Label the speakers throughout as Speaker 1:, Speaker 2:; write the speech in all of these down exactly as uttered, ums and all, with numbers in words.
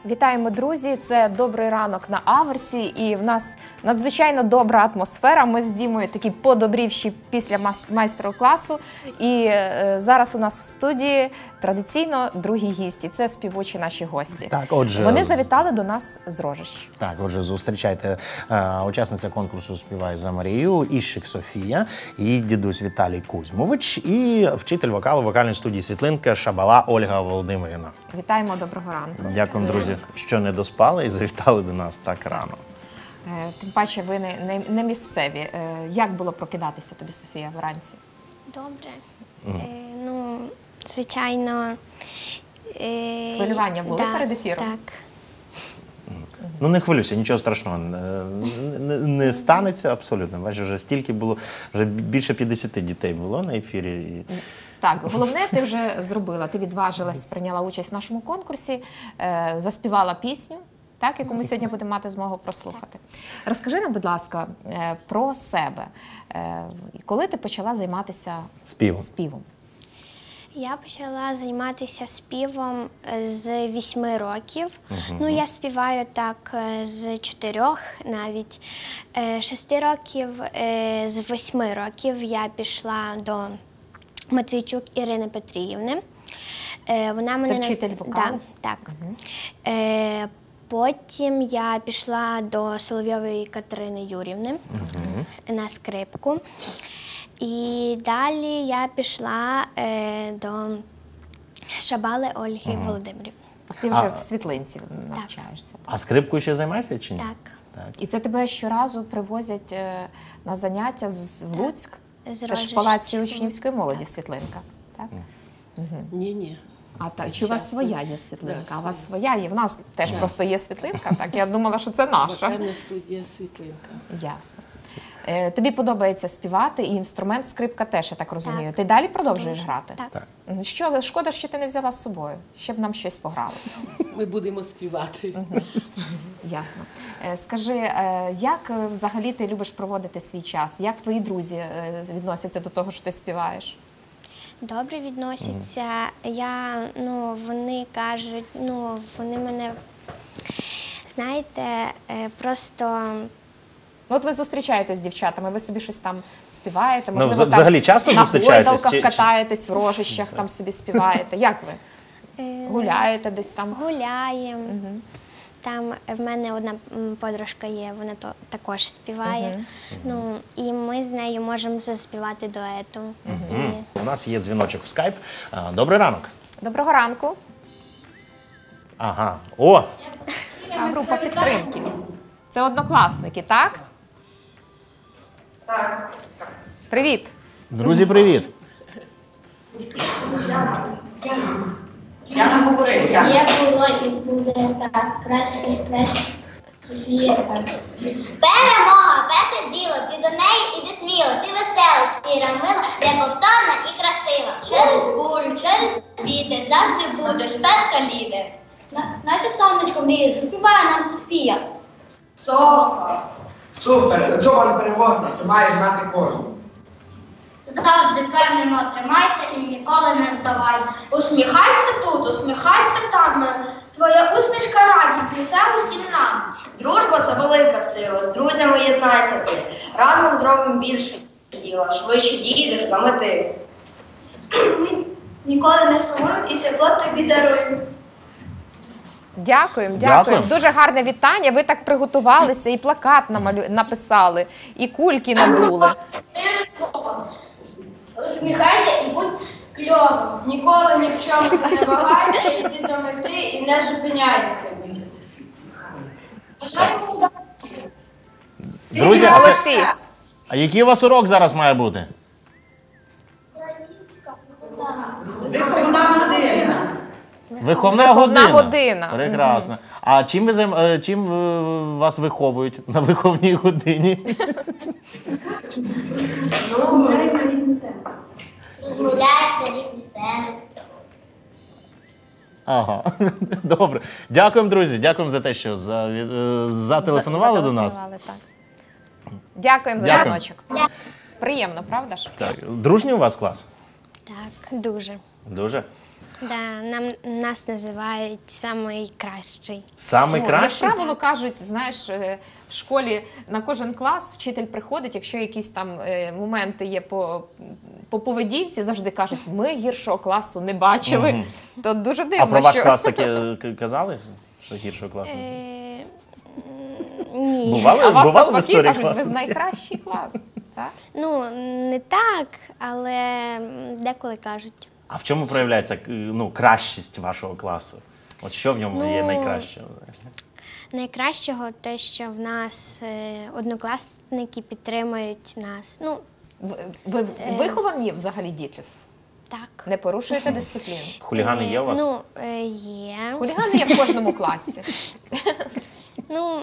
Speaker 1: Вітаємо, друзі! Це «Добрий ранок» на Аверсі, і в нас надзвичайно добра атмосфера. Ми з Дімою такі подобрівші після майстер-класу. І е, зараз у нас в студії традиційно другі гісті. Це співочі наші гості.
Speaker 2: Так, отже,
Speaker 1: вони завітали до нас з Рожищ.
Speaker 2: Так, отже, зустрічайте е, учасниця конкурсу «Співай за Марію» Іщик Софія, і дідусь Віталій Кузьмович, і вчитель вокалу вокальної студії «Світлинка» Шабала Ольга Володимирівна.
Speaker 1: Вітаємо, доброго ранку.
Speaker 2: Дякуємо, друзі, що не доспали і завітали до нас так рано.
Speaker 1: Тим паче, ви не, не, не місцеві. Як було прокидатися тобі, Софія, вранці?
Speaker 3: Добре. Mm. Е, ну, звичайно... Е,
Speaker 1: Хвилювання були
Speaker 3: да,
Speaker 1: перед ефіром?
Speaker 3: Так.
Speaker 2: Ну, не хвилюйся, нічого страшного не, не, не станеться абсолютно. Бачиш, вже стільки було, вже більше п'ятдесят дітей було на ефірі. І...
Speaker 1: Так, головне, ти вже зробила. Ти відважилась, прийняла участь в нашому конкурсі, е, заспівала пісню, так, яку ми сьогодні будемо мати змогу прослухати. Розкажи нам, будь ласка, е, про себе. Е, коли ти почала займатися
Speaker 2: співом?
Speaker 1: співом?
Speaker 3: Я почала займатися співом з вісьми років.
Speaker 2: Uh-huh.
Speaker 3: Ну, я співаю так з чотирьох навіть. Шести років, з восьми років я пішла до Матвійчук Ірини Петріївни. Вона мене...
Speaker 1: Це вчитель вокалу?
Speaker 3: Да, так. Uh-huh. Потім я пішла до Соловйової Катерини Юрівни uh-huh. на скрипку. І далі я пішла е, до Шабали Ольги uh-huh. Володимирівни.
Speaker 1: Ти вже а, в Світлинці навчаєшся.
Speaker 2: Так. А скрипкою ще займаєшся чи ні?
Speaker 3: Так.
Speaker 1: так. І це тебе щоразу привозять е, на заняття з, в Луцьк?
Speaker 3: З
Speaker 1: це ж в Палаці учнівської молоді, так. Світлинка, так?
Speaker 4: Ні-ні.
Speaker 1: Угу. А так, чи у вас своя є світлинка? Да, а у вас своя є? В нас теж yeah. просто є світлинка, так? Я думала, що це наша.
Speaker 4: Вокальна студія «Світлинка».
Speaker 1: Ясно. Е, тобі подобається співати, і інструмент скрипка теж, я так розумію.
Speaker 3: Так.
Speaker 1: Ти далі продовжуєш
Speaker 3: Дуже.
Speaker 1: грати?
Speaker 3: Так.
Speaker 2: так.
Speaker 1: Що, шкода, що ти не взяла з собою, щоб нам щось пограли.
Speaker 4: Ми будемо співати.
Speaker 1: Угу. Ясно. Е, скажи, е, як взагалі ти любиш проводити свій час? Як твої друзі е, відносяться до того, що ти співаєш?
Speaker 3: Добре відносяться. Mm. Я, ну, вони кажуть, ну, вони мене, знаєте, просто...
Speaker 1: Ну, от ви зустрічаєтесь з дівчатами, ви собі щось там співаєте,
Speaker 2: можливо,
Speaker 1: ну,
Speaker 2: так, взагалі часто
Speaker 1: на
Speaker 2: зустрічаєтесь?
Speaker 1: гойдалках
Speaker 2: чи...
Speaker 1: катаєтесь, в Рожищах там собі співаєте. Як ви? Гуляєте десь там?
Speaker 3: Гуляємо.
Speaker 1: Угу.
Speaker 3: Там в мене одна подружка є, вона то, також співає. Uh-huh. Ну, і ми з нею можемо заспівати дуету.
Speaker 2: Uh-huh. І... У нас є дзвіночок в скайп. Добрий ранок.
Speaker 1: Доброго ранку.
Speaker 2: Ага. О!
Speaker 1: Група підтримки. Це однокласники, так?
Speaker 5: Так.
Speaker 1: Привіт.
Speaker 2: Друзі, привіт.
Speaker 5: Я не говорив.
Speaker 6: Є було і буде так, краще, краще, Софія так.
Speaker 7: Перемога, перше діло, ти до неї іди сміло, ти весела, щира, мила, неповторна і красива.
Speaker 6: Через бурю, через вітер, завжди будеш перша лідер. Наше сонечко мріє, заспіває нам Софія.
Speaker 5: Софа. Супер, цього не переможна, це має знати кожен.
Speaker 7: Завжди впевнено тримайся і ніколи не здавайся.
Speaker 6: Усміхайся тут, усміхайся там. Твоя усмішка радість несе усім нам. Дружба – це велика сила, з друзями єднайся ти. Разом зробимо більше діла, швидше дійдеш до мети. Ніколи не сумуємо і тепло тобі даруємо.
Speaker 1: Дякуємо, дякуємо. Дуже гарне вітання. Ви так приготувалися, і плакат намалю... написали, і кульки надули.
Speaker 6: Чотири слова. Усміхайся і будь кльовим. Ніколи ні в чому не вагайся, йди до мети і не зупиняйся. Бажаємо удачі.
Speaker 2: Друзі, а, це... а який у вас урок зараз має бути?
Speaker 5: Виховна година.
Speaker 2: Виховна,
Speaker 1: Виховна
Speaker 2: година.
Speaker 1: година.
Speaker 2: Прекрасно. А чим, ви займ... чим вас виховують на виховній годині?
Speaker 6: Розмовляють на різні теми.
Speaker 7: Розмовляють на різні теми.
Speaker 2: Ага, добре. Дякуємо, друзі. Дякуємо за те, що за... зателефонували до нас.
Speaker 1: Так. Дякуємо за
Speaker 2: Дякую.
Speaker 1: дзвіночок. Приємно, правда ж?
Speaker 2: Так. Дружній у вас клас?
Speaker 3: Так, дуже.
Speaker 2: Дуже.
Speaker 3: Да, нам, нас називають найкращий.
Speaker 2: Самий
Speaker 1: Ну, як
Speaker 2: кращий?
Speaker 1: правило, кажуть, знаєш, е, в школі на кожен клас вчитель приходить, якщо якісь там е, моменти є по, по поведінці, завжди кажуть, ми гіршого класу не бачили. То дуже дивно,
Speaker 2: А про ваш
Speaker 1: що...
Speaker 2: клас таке к- казали, що гіршого класу?
Speaker 3: Е, ні.
Speaker 2: Бували,
Speaker 1: А вас
Speaker 2: бували в
Speaker 1: навпаки
Speaker 2: історії
Speaker 1: кажуть, ви
Speaker 2: класу?
Speaker 1: з найкращий клас. Так?
Speaker 3: Ну, не так, але деколи кажуть.
Speaker 2: А в чому проявляється к- ну, кращість вашого класу? От що в ньому є
Speaker 3: Ну,
Speaker 2: найкраще?
Speaker 3: Найкращого те, що в нас е, однокласники підтримують нас. Ну,
Speaker 1: Ви, ви виховані взагалі діти?
Speaker 3: так.
Speaker 1: Не порушуєте дисципліну?
Speaker 2: Хулігани є у вас?
Speaker 3: Ну, е, є.
Speaker 1: Хулігани є в кожному класі.
Speaker 3: Ну,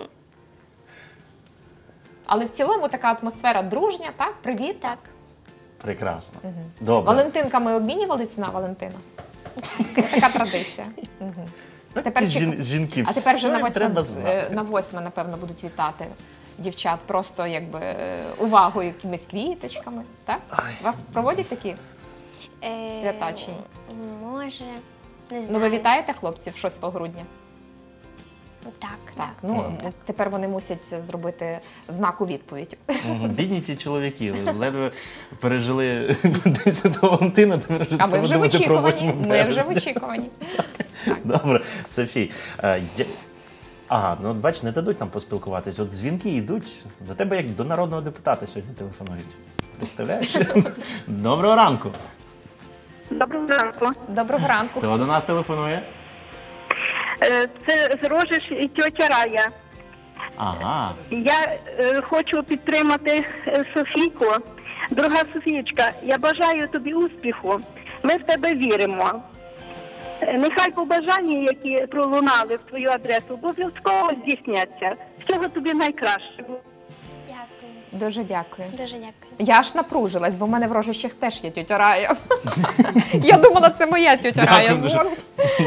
Speaker 1: Але в цілому така атмосфера дружня, так? Привіт.
Speaker 3: так.
Speaker 2: Прекрасно. Добре.
Speaker 1: Валентинками обмінювались на Валентина? Така традиція. Мгм. Тепер
Speaker 2: Ті
Speaker 1: чек-
Speaker 2: жін- жінки,
Speaker 1: А тепер вже
Speaker 2: все
Speaker 1: на
Speaker 2: їм
Speaker 1: восьме,
Speaker 2: треба
Speaker 1: е,
Speaker 2: знати.
Speaker 1: на восьме, напевно, будуть вітати дівчат просто якби е, увагою, якимись квіточками. Так? Вас проводять такі
Speaker 3: Е,
Speaker 1: свята чи ні?
Speaker 3: Може, не
Speaker 1: Ну,
Speaker 3: знаю.
Speaker 1: ви вітаєте хлопців шостого грудня?
Speaker 3: Так,
Speaker 1: Так. Ну, тепер вони мусять зробити знак у відповідь.
Speaker 2: Мгм. Бідні ті чоловіки, ледве пережили десятого Валентина, тепер вже
Speaker 1: А ми
Speaker 2: треба
Speaker 1: вже в
Speaker 2: думати про
Speaker 1: очікуванні.
Speaker 2: восьме
Speaker 1: Ми вже в
Speaker 2: березня.
Speaker 1: очікуванні.
Speaker 2: Добре, Софій. е, я- Ага, ну от бач, не дадуть нам поспілкуватись. От дзвінки йдуть, до тебе як до народного депутата сьогодні телефонують. Представляєш? Доброго ранку.
Speaker 8: Доброго ранку.
Speaker 1: Доброго ранку.
Speaker 2: Хто до нас телефонує?
Speaker 8: Е, Це з Рожиш і тьотя Рая.
Speaker 2: Ага.
Speaker 8: Я е, хочу підтримати е, Софійку. Дорога Софієчка, я бажаю тобі успіху. Ми в тебе віримо. Е, Нехай побажання, які пролунали в твою адресу, обов'язково здійсняться. Всього тобі найкращого.
Speaker 3: Дякую.
Speaker 1: Дуже дякую.
Speaker 3: Дуже дякую.
Speaker 1: Я аж напружилась, бо в мене в Рожищах теж є тьотя Рая. Я думала, це моя тьотя Рая
Speaker 2: Дякую дуже.
Speaker 1: дзвонить.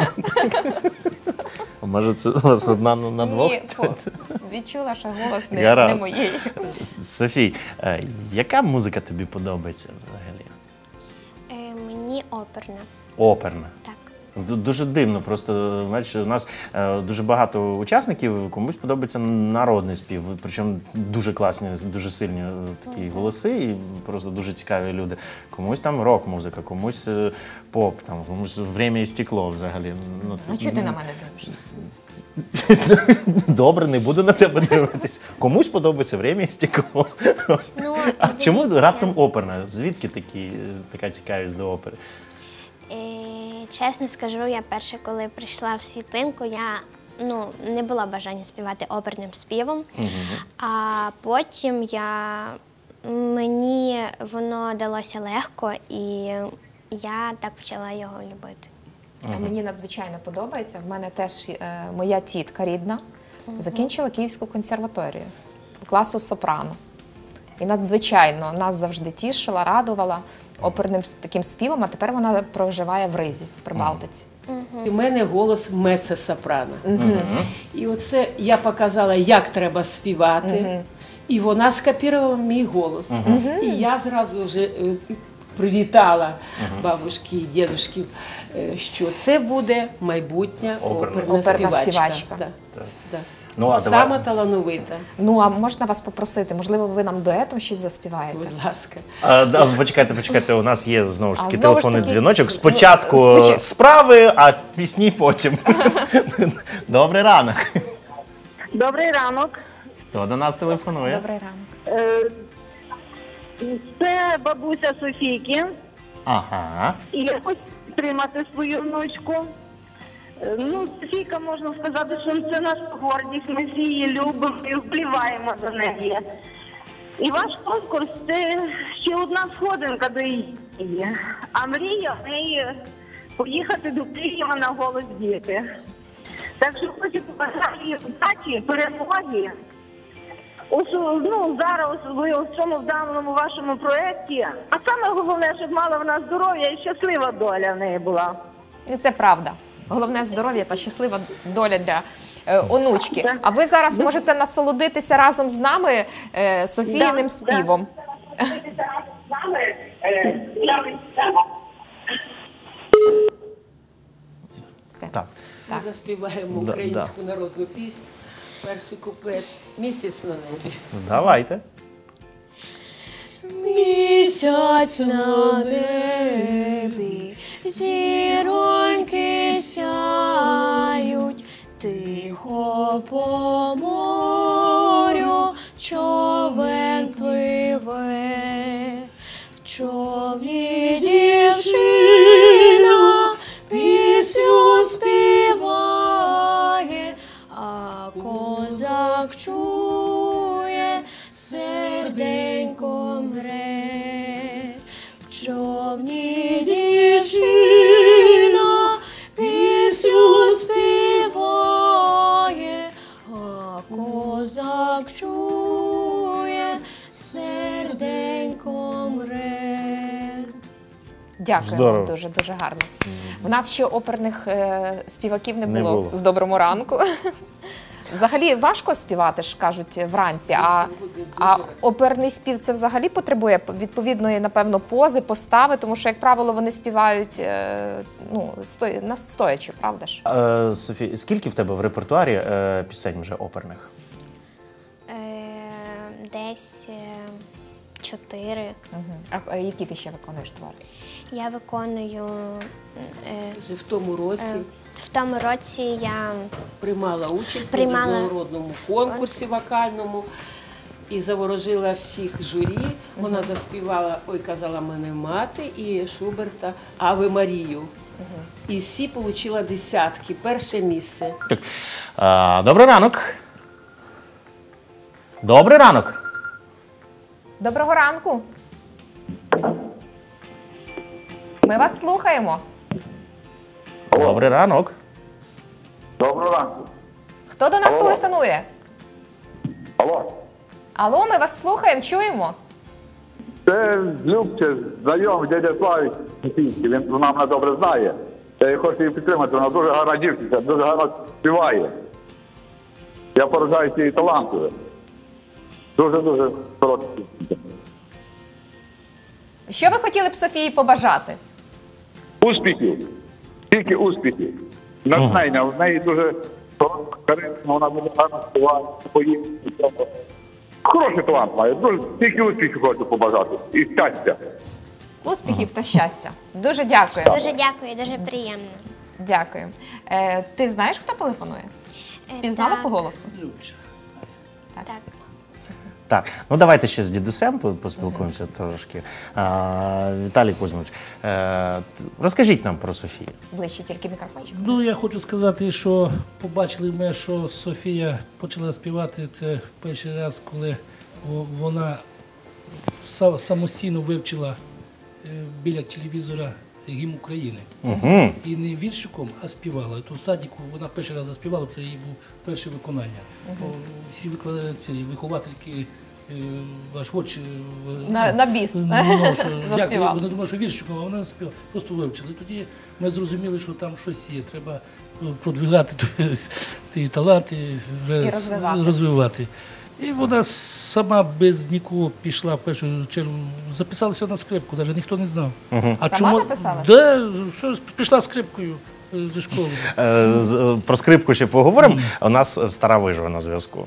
Speaker 2: Може, це у вас одна на на двох?
Speaker 1: Ні, по- відчула, що голос не, не
Speaker 2: Гаразд.
Speaker 1: моєї.
Speaker 2: Софій, е, яка музика тобі подобається взагалі?
Speaker 3: Е, мені оперна.
Speaker 2: Оперна.
Speaker 3: Так.
Speaker 2: Ду- Дуже дивно, просто знаєш, у нас е, дуже багато учасників, комусь подобається народний спів, причому дуже класні, дуже сильні е, такі голоси, і просто дуже цікаві люди. Комусь там рок-музика, комусь е, поп, там, комусь «Время і стекло» взагалі. Ну, це-
Speaker 1: А чого ти на мене дивишся?
Speaker 2: Добре, не буду на тебе дивитись. Комусь подобається «Время і стекло».
Speaker 3: Ну,
Speaker 2: А чому
Speaker 3: дивіться.
Speaker 2: раптом оперна? Звідки такі, е, така цікавість до опери?
Speaker 3: Е, чесно скажу, я перше, коли прийшла в світлинку, я ну, не було бажання співати оперним співом. А потім я, мені воно далося легко, і я так почала його любити.
Speaker 1: А Мені надзвичайно подобається. В мене теж е, моя тітка рідна закінчила Київську консерваторію класу сопрано. І надзвичайно нас завжди тішила, радувала оперним с- таким співом, а тепер вона проживає в Ризі, в Прибалтиці.
Speaker 4: У мене голос меццо-сопрано. І оце я показала, як треба співати. І вона скопірувала мій голос. І я зразу вже е, привітала бабушки і дідушків, е, що це буде майбутня
Speaker 2: Оперна.
Speaker 4: оперна,
Speaker 1: Оперна
Speaker 4: співачка.
Speaker 1: співачка.
Speaker 4: Да. Да.
Speaker 2: Ну, а
Speaker 4: Сама
Speaker 2: давай-
Speaker 4: талановита,
Speaker 1: Ну, а можна вас попросити, можливо, ви нам дуетом щось заспіваєте?
Speaker 4: будь ласка.
Speaker 2: А, да, почекайте, почекайте, у нас є знову ж
Speaker 1: А,
Speaker 2: таки
Speaker 1: знову ж
Speaker 2: телефонний
Speaker 1: таки,
Speaker 2: дзвіночок.
Speaker 1: ну,
Speaker 2: Спочатку
Speaker 1: спочат-
Speaker 2: справи, а пісні потім. Добрий ранок.
Speaker 8: Добрий ранок.
Speaker 2: Хто до нас телефонує?
Speaker 1: Добрий ранок.
Speaker 8: Е, Це бабуся Софійки.
Speaker 2: Ага.
Speaker 8: І я хочу підтримати свою внучку. Е, Ну, Софійка, можна сказати, що це наша гордість, ми всі її любимо і вболіваємо за неї. І ваш конкурс – це ще одна сходинка до її. А мрія в неї поїхати до Києва на «Голос діти». Так що хочу побажати їй удачі, перемоги. Ось, ну, зараз особливо в цьому в даному вашому проєкті. А саме головне, щоб мала вона здоров'я і щаслива доля в неї була.
Speaker 1: І це правда. Головне здоров'я та щаслива доля для е, онучки. А ви зараз можете насолодитися разом з нами е, Софіїним
Speaker 8: Да,
Speaker 1: співом.
Speaker 4: заспіваємо
Speaker 2: Да,
Speaker 4: українську народну пісню. Перший куплет «Місяць на небі».
Speaker 2: Давайте.
Speaker 1: Місяць на небі, зіроньки сяють, тихо по морю човен пливе, в човні дівчина пісню співає, а козак чує, серденько мре. В човні дівчина пісню співає, а козак чує, серденько мре. Дякую
Speaker 2: Здорово.
Speaker 1: вам дуже, дуже гарно. У нас ще оперних е, співаків не було,
Speaker 2: Не було.
Speaker 1: в доброму ранку. Взагалі важко співати, ж кажуть, вранці, а, а оперний спів це взагалі потребує відповідної, напевно, пози, постави, тому що, як правило, вони співають е, ну, сто... настоячи, правда ж?
Speaker 2: Е, Софія, скільки в тебе в репертуарі е, пісень вже оперних?
Speaker 3: Е, десь е, чотири.
Speaker 1: Угу. А, а які ти ще виконуєш твори?
Speaker 3: Я виконую е,
Speaker 4: Вже в тому році
Speaker 3: в тому році я
Speaker 4: приймала участь
Speaker 3: Приймала.
Speaker 4: в міжнародному конкурсі вокальному і заворожила всіх журі. Вона заспівала «Ой, казала мене мати» і Шуберта «Аве Марію». І всі отримали десятки, перше місце.
Speaker 2: Е, Добрий ранок. Добрий ранок.
Speaker 1: Доброго ранку! Ми вас слухаємо.
Speaker 2: Добрий ранок.
Speaker 9: Доброго ранку.
Speaker 1: Хто до нас
Speaker 9: Алло.
Speaker 1: телефонує?
Speaker 9: Алло.
Speaker 1: Алло, ми вас слухаємо, чуємо.
Speaker 9: Це Любче, знайомий дядя Славік Сосійський, він вона мене добре знає. Я хочу її підтримати, вона дуже гарна дівчинка, дуже гарно співає. Я поражаюся її талантою. Дуже-дуже коротка дівчинка.
Speaker 1: Що ви хотіли б Софії побажати?
Speaker 9: Успіхів. Тільки успіхів. Натхнення. В неї дуже харизма, вона буде гарно співати, поїхати. Хороший талант має. Дуже тільки успіхів хочу побажати. І щастя.
Speaker 1: Успіхів та щастя. Дуже дякую.
Speaker 3: дуже дякую, дуже приємно.
Speaker 1: Дякую. Е, ти знаєш, хто телефонує?
Speaker 3: Е,
Speaker 1: Пізнала
Speaker 3: так,
Speaker 1: по голосу?
Speaker 3: Так.
Speaker 2: Так, ну давайте ще з дідусем по- поспілкуємося трошки. А, Віталій Кузьмович, е, т- розкажіть нам про Софію.
Speaker 1: Ближче тільки мікрофончик.
Speaker 10: Ну, я хочу сказати, що побачили ми, що Софія почала співати це перший раз, коли во- вона са- самостійно вивчила е, біля телевізора гімн України.
Speaker 2: Угу.
Speaker 10: І не віршиком, а співала. І то в садіку вона перший раз заспівала, це її був перше виконання. О, Всі викладачі, ці виховательки, е, ваш воч, е,
Speaker 1: На, на біс
Speaker 10: Ну, що, як,
Speaker 1: заспівав.
Speaker 10: Вони думали, що віршиком, а вона співала, просто вивчила. І тоді ми зрозуміли, що там щось є. Треба продвигати ті- ті таланти, вже
Speaker 1: І розвивати.
Speaker 10: розвивати. І вона сама без нікого пішла в першу чергу, записалася на скрипку, навіть ніхто не знав. А
Speaker 1: Сама записалась?
Speaker 10: Да, що, пішла скрипкою е, зі школи.
Speaker 2: Е, з- е, Про скрипку ще поговоримо. У нас е, стара вижива на зв'язку.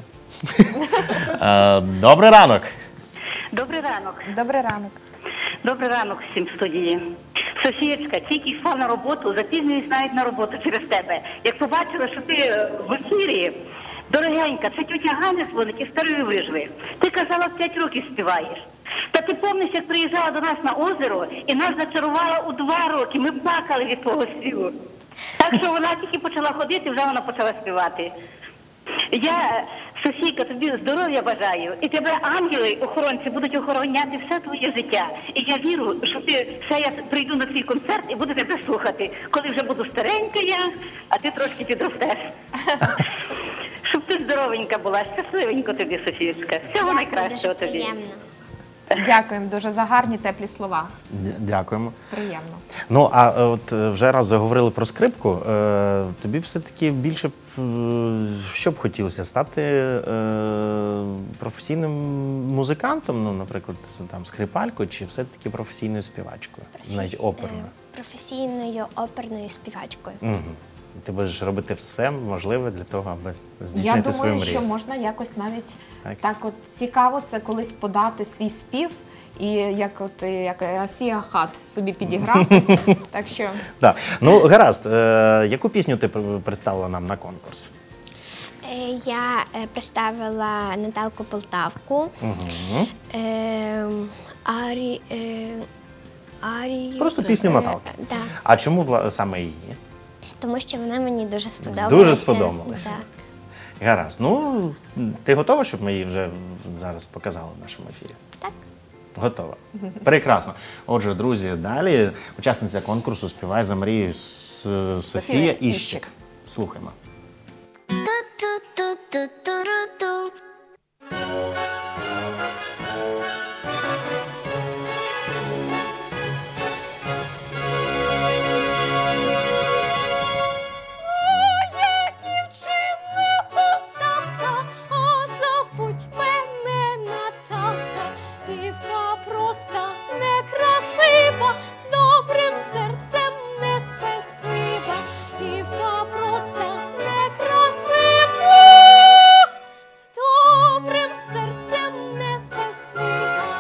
Speaker 2: Е, Добрий ранок.
Speaker 8: Добрий ранок.
Speaker 1: Добрий ранок.
Speaker 8: Добрий ранок всім в студії. Софієчка, тільки йшла на роботу, запізнююсь навіть на роботу через тебе. Як побачила, що ти в ефірі, дорогенька, це тетя Ганя дзвонить із Старої Вижви. Ти казала, в п'ять років співаєш. Та ти пам'ятаєш, як приїжджала до нас на озеро і нас зачарувала у два роки. Ми плакали від того співу. Так що вона тільки почала ходити, вже вона почала співати. Я, Софійка, тобі здоров'я бажаю, і тебе ангели, охоронці, будуть охороняти все твоє життя. І я вірю, що ти все, я прийду на твій концерт і буду тебе слухати, коли вже буду старенька я, а ти трошки підростеш. Щоб ти здоровенька була, щасливенько тобі, Софієчка. Всього найкращого
Speaker 3: дуже
Speaker 8: тобі.
Speaker 3: приємно.
Speaker 1: Дякуємо дуже за гарні теплі слова.
Speaker 2: Дя- Дякуємо.
Speaker 1: Приємно.
Speaker 2: Ну, а е, от е, вже раз заговорили про скрипку, е, тобі все-таки більше б, е, що б хотілося стати е, професійним музикантом, ну, наприклад, там скрипалькою, чи все-таки професійною співачкою, навіть
Speaker 3: Професі-
Speaker 2: оперною?
Speaker 3: е, Професійною оперною співачкою.
Speaker 2: Угу. ти будеш робити все можливе для того, аби
Speaker 1: Я
Speaker 2: здійснити свою
Speaker 1: думаю,
Speaker 2: мрію.
Speaker 1: що можна якось навіть
Speaker 2: Так.
Speaker 1: так, от цікаво це колись подати свій спів і як от е, як Асія Хат собі підіграти. Так що
Speaker 2: Так. Ну, гаразд, е, яку пісню ти пр- представила нам на конкурс?
Speaker 3: Е, Я е, представила Наталку Полтавку. Е, Арі, е, Арію.
Speaker 2: Просто пісню
Speaker 3: Е,
Speaker 2: Наталки.
Speaker 3: Да,
Speaker 2: А чому вла- саме її?
Speaker 3: тому що вона мені дуже сподобалася.
Speaker 2: Дуже сподобалася.
Speaker 3: Да.
Speaker 2: Гаразд. Ну, ти готова, щоб ми її вже зараз показали в нашому ефірі?
Speaker 3: Так.
Speaker 2: Готова. Прекрасно. Отже, друзі, далі учасниця конкурсу «Співай за мрію» С- Софія
Speaker 1: Софія
Speaker 2: Іщик.
Speaker 1: Іщик.
Speaker 2: Слухаємо.
Speaker 7: Ту-ту-ту-ту-ту-ру-ту.
Speaker 11: Моя дівчина Полтавка, а забудь мене Наталка. Дівка проста, некрасива, з добрим серцем не спесива. Дівка проста, некрасива, з добрим серцем не спесива.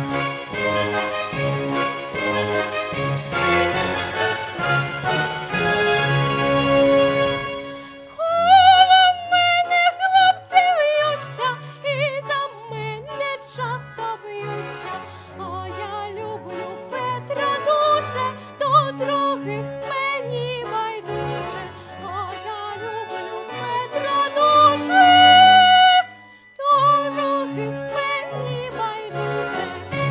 Speaker 11: Коло мене хлопці в'ються і за мене часто б'ються, а я люблю Петра дуже, до других мені байдуже, а я люблю Петра дуже, до других мені байдуже.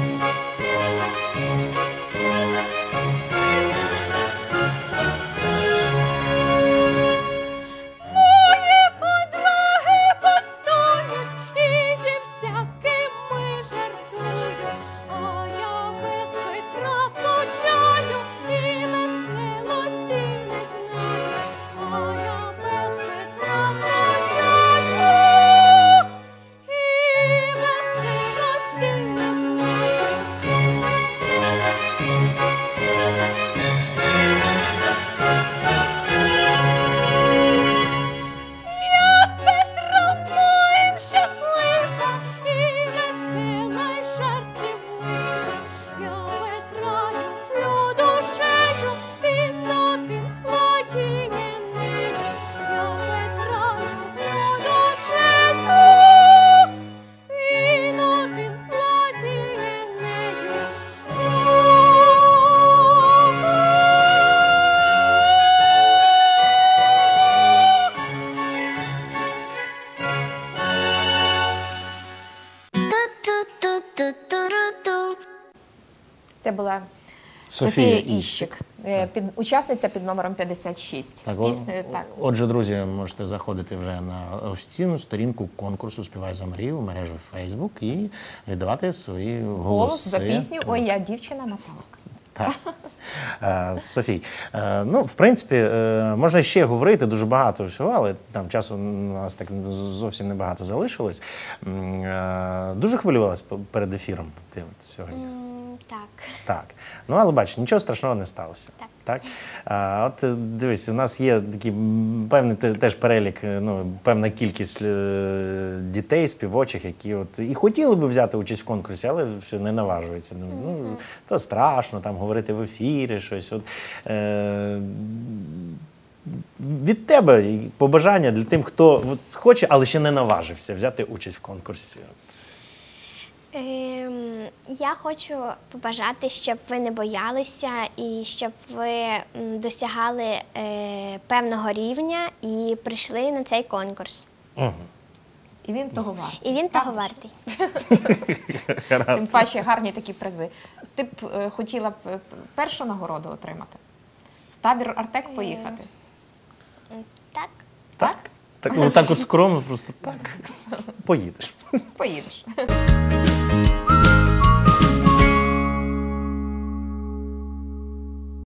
Speaker 11: Мої подруги постоють і зі всякими жартують, а я без Петра скучаю і веселості не знаю, а я без Петра скучаю і веселості не знаю. Я з Петром моїм щаслива і весела й жартівлива. Я Петра люблю душею, він один владіє нею. Я Петра люблю душею, він один владіє нею.
Speaker 7: Ту-ту-ту-ту-ру-ту.
Speaker 1: це була
Speaker 2: Софія
Speaker 1: Софія Іщик, е, під, учасниця під номером п'ятдесят шість.
Speaker 2: Так,
Speaker 1: З
Speaker 2: о-
Speaker 1: піснею так.
Speaker 2: Отже, друзі, можете заходити вже на офіційну сторінку конкурсу «Співай за мрію» в мережі Facebook і віддавати свої голоси.
Speaker 1: Голос за пісню «Ой, я дівчина Наталка».
Speaker 2: Так. Е, Софій, е, ну, в принципі, е, можна ще говорити дуже багато всього, але там часу у нас так зовсім небагато залишилось. М, е, Дуже хвилювалась п- перед ефіром ти от сьогодні?
Speaker 3: М, Так.
Speaker 2: Так. Ну, але бач, нічого страшного не сталося.
Speaker 3: Так.
Speaker 2: Так? А, от е, дивись, у нас є такий м, певний те- теж перелік, е, ну, певна кількість е, дітей, співочих, які от і хотіли би взяти участь в конкурсі, але все не наважуються. Ну, ну, то страшно там говорити в ефірі, щось. От, е, від тебе і побажання для тим, хто от, хоче, але ще не наважився взяти участь в конкурсі.
Speaker 3: Ем, я хочу побажати, щоб ви не боялися і щоб ви м, досягали е, певного рівня і прийшли на цей конкурс.
Speaker 2: Угу.
Speaker 1: І він того вартий.
Speaker 3: І він того вартий.
Speaker 1: Тим паче гарні такі призи. Ти б е, хотіла б е, першу нагороду отримати? В табір Артек поїхати?
Speaker 3: М, Так.
Speaker 2: Так? Так, ну, так от скромно, просто так. Поїдеш.
Speaker 1: Поїдеш.